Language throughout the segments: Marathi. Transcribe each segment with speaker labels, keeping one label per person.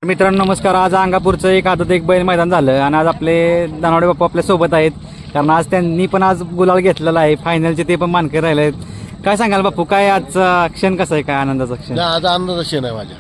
Speaker 1: मित्रांनो नमस्कार. आज अंगापूरचं एक आदत एक बैल मैदान झालं आणि आज आपले दानवडे बाप्पू आपल्या सोबत आहेत, कारण आज त्यांनी पण आज गुलाल घेतलेला आहे. फायनलचे ते पण मानकरी राहिले आहेत. काय सांगाल बाप्पू, काय आजचा क्षण कसा आहे, काय आनंदाचा क्षण?
Speaker 2: आज आनंदाचा क्षण आहे माझ्या.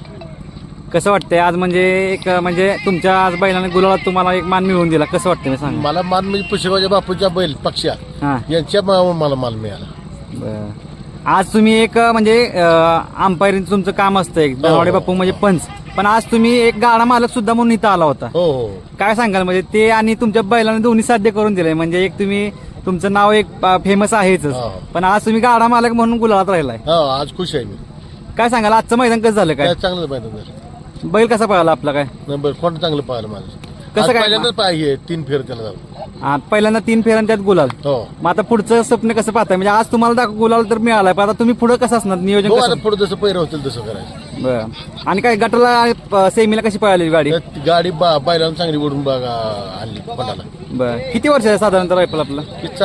Speaker 1: कसं वाटतंय आज, म्हणजे एक म्हणजे तुमच्या आज बैलाने गुलालात तुम्हाला एक मान मिळवून दिला, कसं वाटतं मी सांग?
Speaker 2: मला मान म्हणजे पुष्कळच्या बापूच्या बैल पक्षा
Speaker 1: हां
Speaker 2: यांच्या मला मान मिळाला.
Speaker 1: बरं. आज तुम्ही एक म्हणजे अंपायरिंग तुमचं काम असतं एक दानवडे बाप्पू म्हणजे पंच, पण आज तुम्ही एक गाडा मालक सुद्धा म्हणून इथं आला होता.
Speaker 2: हो हो.
Speaker 1: काय सांगाल म्हणजे ते आणि तुमच्या बैलाने दोन्ही साध्य करून दिलंय, म्हणजे एक तुम्ही तुमचं नाव एक फेमस आहेच, पण आज तुम्ही गाडा मालक म्हणून गुलालात राहिलाय.
Speaker 2: आज खुश आहे मी.
Speaker 1: काय सांगाल आजचं मैदान कसं झालं, काय
Speaker 2: चांगलं मैदान झालं.
Speaker 1: बैल कसा पळाला आपला, काय
Speaker 2: नंबर कोण चांगलं पाहिलं माझं.
Speaker 1: कसं काय?
Speaker 2: पहिल्यांदाच पाहिजे 3 फेर त्याला जाऊ.
Speaker 1: पहिल्यांदा 3 फेऱ्यान त्यात गुलाल.
Speaker 2: हो.
Speaker 1: मग आता पुढचं स्वप्न कसं पाहताय, म्हणजे आज तुम्हाला गुलाल तर मिळालाय, पण आता तुम्ही पुढे कसं असणार नियोजन
Speaker 2: हो,
Speaker 1: कसं?
Speaker 2: आता पुढे जसं पैर होतील तसं करायचं.
Speaker 1: बरं. आणि काय गटाला सेमीला कशी पळाली गाडी?
Speaker 2: गाडी बैलाला चांगली ओढून बघा आणली पटाला.
Speaker 1: बरं. किती वर्ष आहे साधारणतः रायफल आपलं?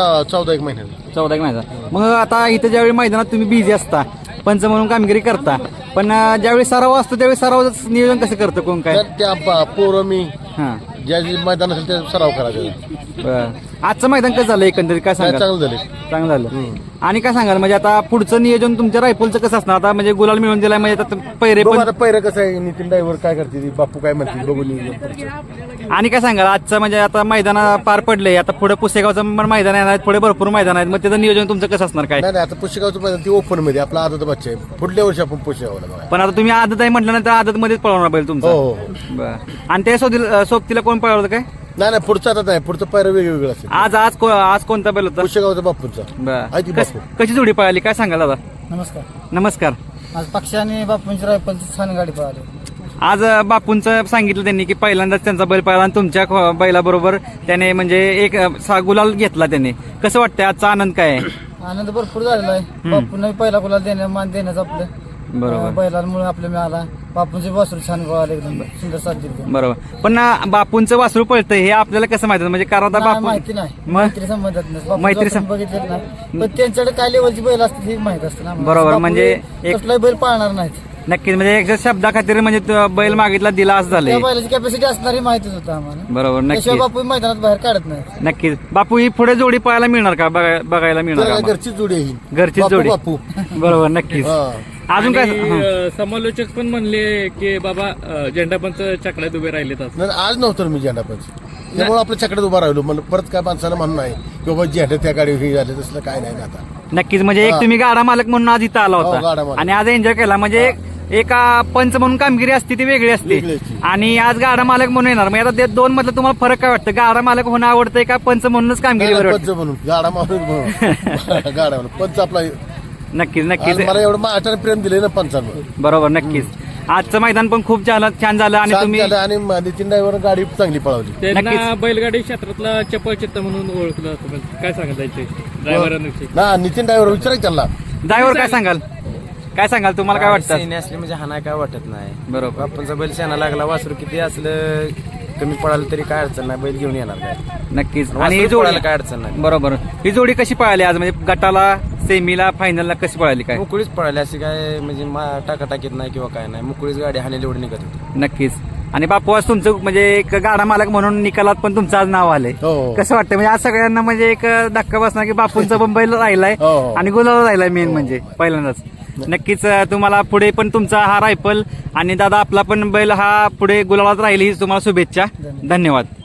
Speaker 2: 14 महिन्याला.
Speaker 1: 14 महिन्याचा. मग आता इथं ज्यावेळी मैदानात तुम्ही बिझी असता, पंच म्हणून कामगिरी करता, पण ज्यावेळी सराव असतो त्यावेळी सरावाचं नियोजन कसं करतं कोण, काय?
Speaker 2: त्या पोरं मी
Speaker 1: हां
Speaker 2: ज्या मैदान असेल त्या सराव करायचा.
Speaker 1: बरं. आजचं मैदान कसं झालं एकंदरीत, काय सांगाल?
Speaker 2: चांगलं झाले.
Speaker 1: चांगलं झालं. आणि काय सांगाल म्हणजे आता पुढचं नियोजन तुमच्या रायफलचं कसं असणार आता, म्हणजे गुलाल मिळून दिलाय म्हणजे आता पैरे
Speaker 2: बघू
Speaker 1: पण,
Speaker 2: आता पहिरं कसं आहे, नितीन ड्रायव्हर काय करते, बापू काय म्हणतील बघून नियोजन.
Speaker 1: आणि काय सांगाल आजचं म्हणजे आता मैदान पार पडले, आता पुढे पुसेगावचं पण मैदान येणार आहेत, पुढे भरपूर मैदान आहेत, मग त्याचं नियोजन तुमचं कसं असणार, काय?
Speaker 2: नाही आता पुष्यगावचं मैदान ती ओपन मध्ये आपला आदत बच्चा आहे. पुढल्या वर्षी आपण पुष्यगावला बघा.
Speaker 1: पण आता तुम्ही आदत आहे म्हटल्यानंतर आदत मध्येच पळवणार पाहिजे
Speaker 2: हो
Speaker 1: तुमचं.
Speaker 2: हो.
Speaker 1: बरं. आणि त्या सोबतीला कोण पळवलं काय?
Speaker 2: नाही पुढचा आता नाही, पुढचं पायरं वेगवेगळं असेल.
Speaker 1: आज कोणता बैल होता?
Speaker 2: पुष्यगावचा बापूंचा. आहे ती
Speaker 1: बरं.
Speaker 2: बापू.
Speaker 1: कशी जोडी पळाली, काय सांगाल दादा?
Speaker 3: नमस्कार.
Speaker 1: नमस्कार.
Speaker 3: आज पक्षी आणि बापूंची रायफलची छान गाडी पळाली.
Speaker 1: आज बापूंचं सांगितलं त्यांनी की पहिल्यांदाच त्यांचा बैल पळाला आणि तुमच्या बैलाबरोबर त्याने म्हणजे एक गुलाल घेतला त्याने. कसं वाटतंय आजचा आनंद काय आहे?
Speaker 3: आनंद भरपूर झालेला आहे. बापूंना पहिला गुलाल मान देण्याचं आपलं
Speaker 1: बरोबर.
Speaker 3: बैलांमुळे आपल्या मिळाला. बापूंचे वासरू छान पळाले, एकदम सुंदर साथ दिली.
Speaker 1: बरोबर. पण बापूंचं वासरू पळतं हे आपल्याला कसं माहिती, म्हणजे कारण आता बापू
Speaker 3: माहिती नाही,
Speaker 1: मग?
Speaker 3: मैत्री संबंधात नाही.
Speaker 1: मैत्री
Speaker 3: बघितलेलं नाही, पण त्यांच्याकडे काय लेवलची बैल असते हे माहित असतं ना.
Speaker 1: बरोबर. म्हणजे
Speaker 3: कसलाही बैल पाळणार नाहीत.
Speaker 1: नक्कीच, म्हणजे एक शब्दा खातीर म्हणजे बैल मागितला दिला असं झालंय.
Speaker 3: त्या बैलाची कॅपॅसिटी असणारी माहितीच होतं आम्हाला.
Speaker 1: बरोबर.
Speaker 3: त्याशिवाय
Speaker 1: नक्की
Speaker 3: बापू मैदानात बाहेर काढत नाही.
Speaker 1: नक्कीच. बापू ही पुढे जोडी पळायला मिळणार का, बघायला मिळणार का आम्हाला?
Speaker 2: घरची जोडी आहे.
Speaker 1: घरचीच
Speaker 2: बापू
Speaker 1: जोडी.
Speaker 2: बापू.
Speaker 1: बरोबर. नक्कीच. अजून काय?
Speaker 4: समालोचक पण म्हणले की बाबा झेंडापंच चकड्यात उभे राहिलेत.
Speaker 2: नाही आज नव्हतं मी झेंडा पंच, त्यामुळे आपल्या चकड्यात उभा राहिलो. मला परत काय माणसानं म्हणणं नाही की बाबा झेंडा त्या गाडीवर हे झाले, तसलं काय नाही ना आता.
Speaker 1: नक्कीच, म्हणजे एक तुम्ही गाडा मालक म्हणून आज इथं आला
Speaker 2: हो,
Speaker 1: होता
Speaker 2: गाडा मालक.
Speaker 1: आणि आज एन्जॉय केला. म्हणजे एका पंच म्हणून कामगिरी असते ती वेगळी असते,
Speaker 2: वेगळी असते.
Speaker 1: आणि आज गाडा मालक म्हणून येणार. मग आता ते दोन मधलं तुम्हाला फरक काय वाटतं? गाडा मालक होणं आवडतंय का पंच म्हणूनच कामगिरी
Speaker 2: पंच
Speaker 1: वाटतं?
Speaker 2: म्हणून गाडा मारून गाडा म्हणून पंच आपला.
Speaker 1: नक्कीच
Speaker 2: आज
Speaker 1: नक्कीच.
Speaker 2: मला एवढं माझ्याने प्रेम दिले ना पंचांवर.
Speaker 1: बरोबर. नक्कीच. आजचं मैदान पण खूप छान झालं आणि
Speaker 2: छान
Speaker 1: तुम्ही
Speaker 2: झालं आणि नितीन ड्रायव्हर गाडी चांगली पळवली.
Speaker 4: त्यांना
Speaker 1: नक्कीच.
Speaker 4: बैलगाडी क्षेत्रातला चपळ चित्त म्हणून ओळखलं जातं. काय सांगायचे ड्रायव्हरांविषयी?
Speaker 2: ना नितीन ड्रायव्हर विचारायचं त्यांना.
Speaker 1: ड्रायव्हर काय सांगाल, काय सांगाल, तुम्हाला काय वाटतं?
Speaker 5: सेने असले म्हणजे हाना काय वाटत नाही.
Speaker 1: बरोबर.
Speaker 5: बापूंचा बैल शेणा लागला, वासरू किती असलं कमी पडालं तरी काय अडचण नाही, बैल घेऊन येणार काय.
Speaker 1: नक्कीच. आणि ही
Speaker 5: वासरू
Speaker 1: जोडी
Speaker 5: पळायला काय अडचण नाही.
Speaker 1: बरोबर. ही जोडी कशी पळाली आज, म्हणजे गटाला सेमीला फायनलला कशी पळाली, काय?
Speaker 5: मुकुळीच पळाली, अशी काय म्हणजे टाकाटाकीत नाही किंवा काय नाही. मुकुळीच गाडी हानेल एवढी निघत होती.
Speaker 1: नक्कीच. आणि बापू आज तुमचं म्हणजे एक गाडा मालक म्हणून निकालात पण तुमचं आज नाव आलंय.
Speaker 2: हो.
Speaker 1: कसं वाटतं म्हणजे आज सगळ्यांना म्हणजे एक धक्का बसणार की बापूंचा पण बैल राहिलाय
Speaker 2: हो.
Speaker 1: आणि गुलाला राहिलाय मेन म्हणजे पहिल्यांदाच. नक्कीच तुम्हाला पुढे पण तुमचा हा रायफल आणि दादा आपला पण बैल हा पुढे गुलालात राहील ही तुम्हाला शुभेच्छा. धन्यवाद.